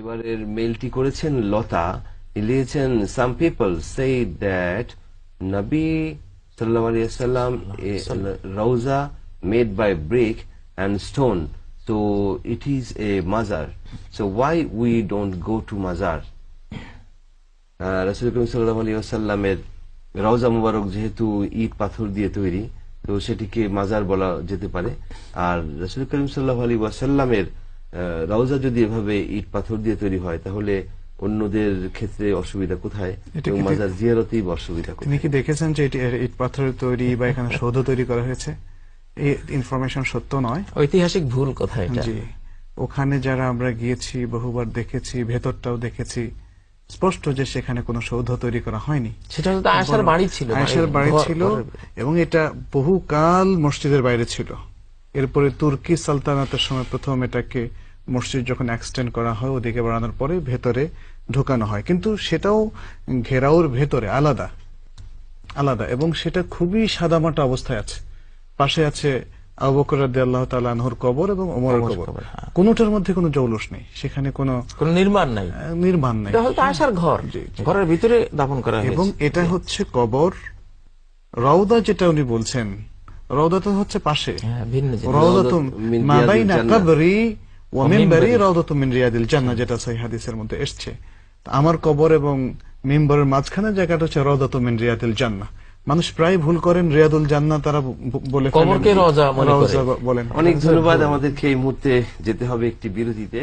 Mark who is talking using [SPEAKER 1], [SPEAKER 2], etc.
[SPEAKER 1] এবারের মেইলটি করেছেন লতা, লিখেছেন সাম পিপল সে দ্যাট নবী সাল্লাল্লাহু আলাইহি ওয়াসাল্লাম রওজা made by brick and stone, so it is a mazar, so why we don't go to mazar? রাসূল করিম সাল্লাল্লাহু আলাইহি ওয়াসাল্লামের রওজা মুবারক যেহেতু ইট পাথর দিয়ে তৈরি, তো সেটিকে মাজার বলা যেতে পারে। আর রাসূল করিম সাল্লাল্লাহু আলাইহি ওয়াসাল্লামের রওজা যদি এভাবে ইট পাথর দিয়ে তৈরি হয়, তাহলে অন্যদের ক্ষেত্রে অসুবিধা কোথায়? মাজার জিয়ারতেই অসুবিধা কোথায়?
[SPEAKER 2] আপনি কি দেখেছেন যে ইট পাথরের তৈরি বা এখানে সৌধ তৈরি করা হয়েছে? এই ইনফরমেশন সত্য নয়,
[SPEAKER 3] ঐতিহাসিক ভুল কথা এটা।
[SPEAKER 2] জি, ওখানে যারা আমরা গিয়েছি বহুবার দেখেছি, ভেতরটাও দেখেছি, স্পষ্ট যে সেখানে কোনো সৌধ তৈরি করা হয়নি।
[SPEAKER 3] সেটা তো আয়েশার বাড়ি ছিল,
[SPEAKER 2] আয়েশার বাড়ি ছিল, এবং এটা বহুকাল মসজিদের বাইরে ছিল। এরপরে তুর্কি সালতানাতের সময় প্রথম এটাকে মসজিদ যখন এক্সটেন্ড করা হয়, ওদিকে বাড়ানোর পরে ভেতরে ঢোকানো হয়, কিন্তু সেটাও ঘেরাওর ভেতরে আলাদা আলাদা, এবং সেটা খুবই সাদামাটা অবস্থায় আছে। পাশে আছে আবু বকর রাদিয়াল্লাহু তাআলা আনহুর কবর এবং ওমরের কবর, কোনোটার মধ্যে কোনো জৌলুস নেই, সেখানে কোনো
[SPEAKER 3] নির্মাণ নাই।
[SPEAKER 2] এটা
[SPEAKER 3] হয়তো আয়েশার ঘর, ঘরের ভিতরে দাফন করা হয়েছে।
[SPEAKER 2] এবং এটা হচ্ছে কবর। রওদা যেটা উনি বলছেন, রওদা তো হচ্ছে পাশে, রওদাতু মা বাইনা কবরি ওয়া মিনবারি রওদাতু মিন রিয়াদিল জান্নাহ, যেটা সহিহ হাদিসের মধ্যে এসেছে। আমার কবর এবং মিম্বরের মাঝখানে জায়গাটা হচ্ছে রওদাতু মিন রিয়াদিল জান্নাহ। মানুষ প্রায় ভুল করেন, রিয়াদুল জান্নাহ তারা বলে,
[SPEAKER 3] কবরকে রওজা মনে করে।
[SPEAKER 2] বলেন।
[SPEAKER 1] অনেক ধন্যবাদ। আমাদেরকে এই মুহূর্তে যেতে হবে একটি বিরতিতে।